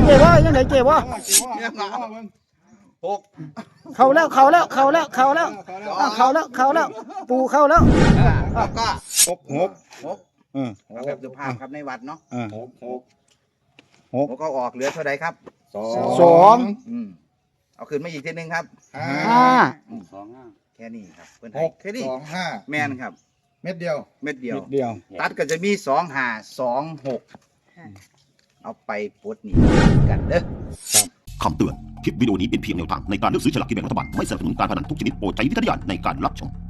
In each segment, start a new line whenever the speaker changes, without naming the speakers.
จ๊บ่ยังไงเจ๊บ่
หก
เข้าแล้วปูเข้าแล้ว
แล้วก็
หก
หก
เอา
แบบสุภาพครับในวัดเนาะ
หก
หกก็ออกเหลือเท่าไรครับ
สอง
เอาคืนมาอีกทีนึงครับ
ห้า
แค่นี้ครับเพื่อน
หก
แค่นี้
2
แม่นครับ
5เม็ดเดียว
เม็ดเดียว
เดียว
ตัดก็จะมี2526เอาไปปลดหนี้กันเด้อ
คำเตือน คลิปวิดีโอนี้เป็นเพียงแนวทางในการเลือกซื้อฉลากกินแบ่งรัฐบาล ไม่สนับสนุนการพนันทุกชนิดโปรดใช้วิจารณญาณในการรับชม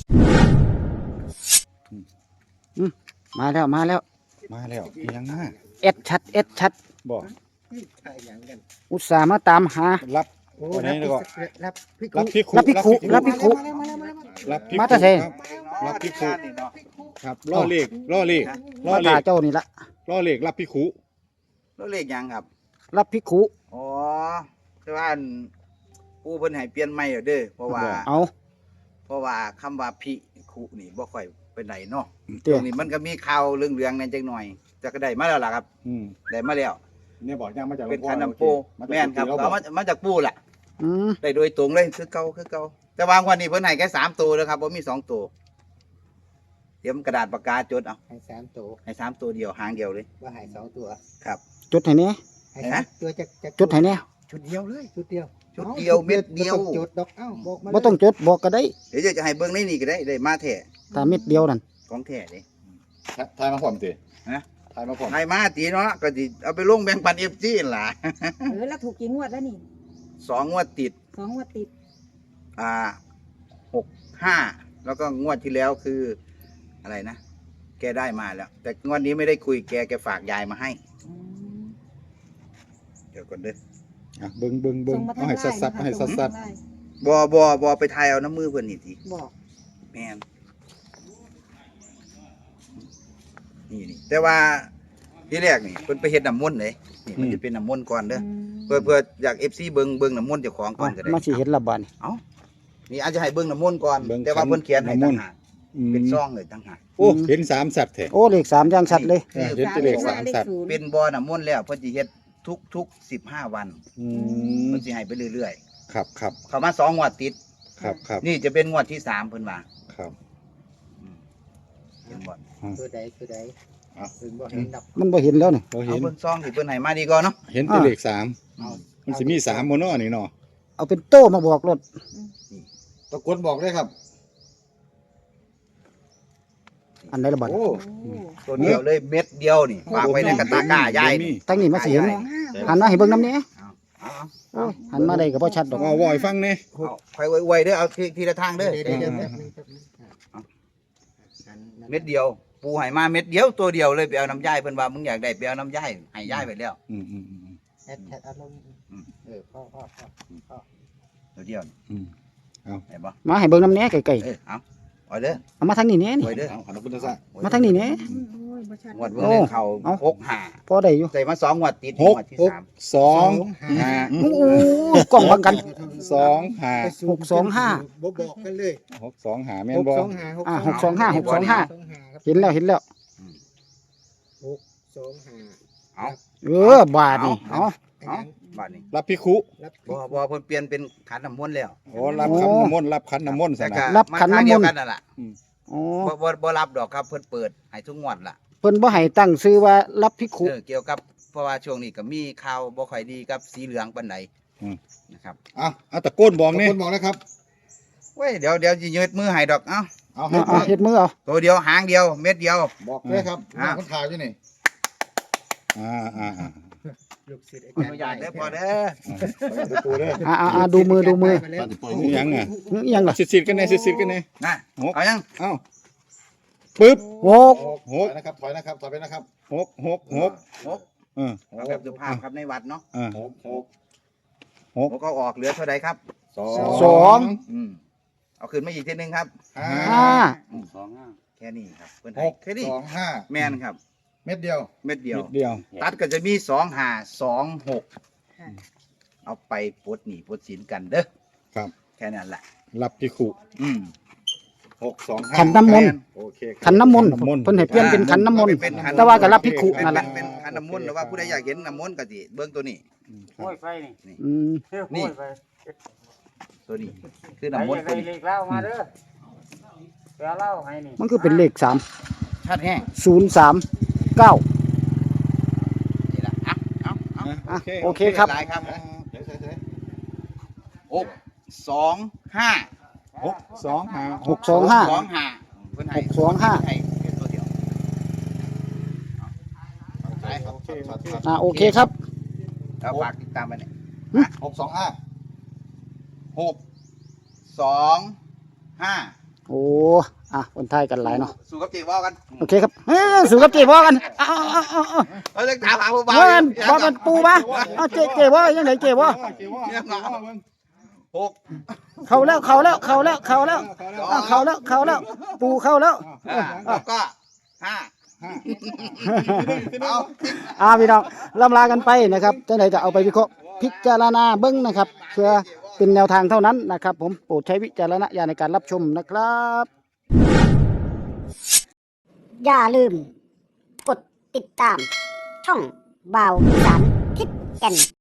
มาแล้ว
มาแล้วยังห้า
เอ็ดชัด
บอก
อุตส่าห์มาตามหา
รับตัวไหนแล้วก็
รับพี่
รับพิคุ
รับพิคุ
รับพิคุ
มาแต่ไส
ครับรับพิคุครับล่อเลขล่อเลข
มาตาเจ้านี่ละ
ล่อเลขรับพิคุ
แล้วเลขยังครับ
รับพิคุ
อ๋อแต่ว่าอันผู้เพิ่นให้เปลี่ยนใหม่เด้อเพราะว่าคำว่าพิคุนี่บ่ค่อยเป็นไหนเนาะ
เตี้
ต
ย
รงนี้มันก็มีข่าวเรื่องๆนั่นจักหน่อยแต่ก็ได้มาแล้วล่ะครับ ได้มาแล้ว
เนี่ยบอกยังมาจาก
เป็นคันน้ำปูแม่นครับเอามาจากปูล่ะ
อืม
ได้โดยตรงเลยคือเก่าแต่วางวันนี้เพิ่นให้แค่3ตัวนะครับบ่มี2ตัวเตรียมกระดาษปากกาจดเอา
ให้3 ตัว
ให้3ตัวเดียวหางเดียวเลย
ว่าให้2 ตัว
ครับ
จุดให้แน่
ให้3 ตัวจะ
จุดให้แน่
ชุดเดียวเลย
ชุดเดียว
ชุดเดียวเม็ดเดียว
บ่ต้องจุดดอกเอ้าบอกมา
บ่ต้องจุดบอกก็ได้
เดี๋ยวจะให้เบิ่งในนี่ก็ได้มาแท้
ถ้าเม็ดเดียวนั่น
ของแท้เด้
ทายมาพร้อมติ
ฮะ
ทายมาพร้อม
ให้มาตีเนาะก็สิเอาไปลงแบ่งปัน FG นั่นล่ะ
แล้วถูกกี่งวดแล้วนี่
2งวดติด
2 งวดติด
6 5แล้วก็งวดที่แล้วคืออะไรนะ แกได้มาแล้ว แต่งวดนี้ไม่ได้คุยแกฝากยายมาให้ เดี๋ยวก่อนเด้อ
เบิ่งเอาให้สัดๆให้สัด
บอไปทายเอาน้ำมือเพื่อนนี่ที
บอก
แม่นนี่แต่ว่าที่แรกนี่เพิ่นไปเฮ็ดน้ำมนต์เลยนี่มันจะเป็นน้ำมนต์ก่อนเด้อเพื่ออยาก FC เบิ่งน้ำมนต์เจ้าของก่อนก็ได้
มาสิเห็นละบาดนี่
นี่อาจจะให้เบิ่งน้ำมนต์ก่อนแต่ว่าเพิ่นเขียนให้ต่างหากเป็นซองเลยต่างหาก
โอ้เห็น3สัตว์แท้
โอ้เลข3อย่างชัดเลย
เห็นแต่เลข3สัตว์
เป็นบ่อน้ำมนต์แล้วเพิ่นสิเฮ็ดทุก15 วันเพิ่นสิให้ไปเรื่อย
ครับ
ๆเข้ามา2งวดติด
ครับ
นี่จะเป็นงวดที่3เพิ่นว่า
ครับ
เห็นบ่
ตัวใด
เอา
ถึงบ่เห็นดอก
มันบ่เห็นแล้วนี่
เรา
เอา
เห็น
เบิ่งซองที่เพิ่นให้มาดีก่อนเนาะ
เห็นแต่เลข
เอา
3มันสิมี3บ่เนาะนี่เนาะ
เอาเป็นโต้มาบอกรถ
ตะกดบอกได้ครับ
อันไหนละบาด
โอ้
ตัวเดียวเลยเม็ดเดียวนี่ฝากไว้ในกระตากร้ายายนี่
ตั้งนี่มาสิเห็น
2 5
หันมาให้เบิ่งน้ำแหน่
เอา
โอ้ยหันมาได้ก็บ่ชัดดอก
ว่าว่าให้ฟังแน่
ค่อยไวๆเด้อเอาทีละทางเด้อ
เดี๋ยวแป๊บนึง
เม็ดเดียว ปูให้มาเม็ดเดียวตัวเดียวเลยไปเอาน้ำย่ายเพิ่นว่ามึงอยากได้ไปเอาน้ำย่ายให้ย่ายไปแล้ว
แอดอารมณ์พ่อ
ตัวเดียว
เอา
เห็นบ่
มาให้เบิ่งน้ำแหน่ไกล
เอาเด้อ
ๆเอามาทางนี้แหน่นี่
ไว้เด้อ
เอาขอบคุณซะ
มาทางนี้แหน่
โอ้ยบ่ชัด
งวดเบิ่งเลยเขา
เอา
6
พอได้อยู่
5ใส่มา2งวดติด
ห
ง
ก
วดที่
หก
3
สอง
โอ้กล้องบังกัน
สองห้า
625
บ่บอกกันเลย
625แม่นบ่
เห็นแล้ว
625
เอา
บาดนี่เอา
เอาบาดนี้
รับพิคุ
รับ
บ่เพิ่นเปลี่ยนเป็นขันน้ำมนต์แล้ว
โอ้รับขันน้ำมนต์รับขันน้ำมนต์ซะ
แต่
นะ
ก็
รับขันน้ำมนต์
าทางเดียวกันนั่นล่ะ
อ๋อ
บ่รับดอกครับเพิ่นเปิดให้ทุกงวดล่ะ
เพิ่นบ่ให้ตั้งชื่อว่ารับพิคุ
เกี่ยวกับเพราะว่าช่วงนี้ก็มีข่าวบ่ค่อยดีกับสีเหลืองปานใดนะครับ
เอาตะโกนบอกนี่ตะโกนบอกนะครับ
เว้ยเดี๋ยวสิยืดมือให้ดอกเอ้า
เอาให้
เอาเฮ็ดมือเอา
ตัวเดียวหางเดียวเม็ดเดียว
บอกเลยครับ
อ่า
คนถ่ายอยู่นี่
ลูกศิษย์อา
อ
จาร
นุ
ย์
ญาตเด้อพอเด้อ
ดูเด้อ
ดูมือ
นี่ยังอ่ะ
อิหยังล่ะ
สิดๆกันแน่สิดๆกันแน่
นะ
หก
เอายัง
เอ้าปึ๊บ
หก
หกนะครับถอยนะครับถอยไปนะครับหก
หก
เออ
เอาแบบสุภาพครับในวัดเนาะ
หก
หกก็ออกเหลือเท่าใดครับ
สอง
เอาคืนมาอีกทีนึงครับ
ห้า
แค่นี้ครับเพิ่น
ห
ให้
ก
แค่นี้
2 5
แม่นครับ
เม็ดเดียว
เม็ดเดียว
เดียว
ตัดก็จะมี2526
ค่ะ
เอาไปปลดหนี้ปลดสินกันเด้อ
ครับ
แค่นั้นแหละ
รับพิคุ
อืม
625
ขันน้ำมนต์
โอเคครับ
ขันน้ำมนต์เพิ่นให้เปลี่ยนเป็นขันน้ำมนต์
เป็นขัน
แต่ว่าก็รับพิคุนั่นแหละ
เป็นขันน้ำมนต์หรือว่าผู้ใดอยากเห็นน้ำมนต์ก็สิเบิ่งตัวนี้
โอ้ยไปนี่
อืม
เที่ยว
นี่
โอ้ยไป
ตัวนี้ คือ
ไป
น้ำมนต์
ไป
ตัวนี้
เลขเล่ามาเด้อไปเอาเหล่าให้นี่
มันคือเป็นเลข3
ชัดแห้ง
039
นี่ล่ะเอา
อ่ะโอเคครับ
หลายครับ
เดี๋ยว
625
625
625
เพิ่นให้
625
ให้เป็นตัวเดียวเอา
โอเคครับ
โอเคครับ
เอาฝากติดตามไปเนี่ย
625
625
โอ้คนไทยกันหลายเนาะ
สู้กับเจ๊ว่ากัน
โอเคครับสู่กับเจ๊บ่กันเอา
เรื่องถามหาผู้บ่าว
เบิ่งบ่กันปูมาเอาเจ๊บ่ยังไงเจ๊บ่
หก
เข้าแล้วปูเข้าแล้ว
แล้วก็ห้าเอา
พี่น้องล่ำลากันไปนะครับจังไดก็เอาไปวิเคราะห์พิจารณาเบิ่งนะครับเพื่อเป็นแนวทางเท่านั้นนะครับ ผมโปรดใช้วิจารณญาณในการรับชมนะครับ
อย่าลืม กดติดตาม ช่องบ่าวอีสานทิศแก่น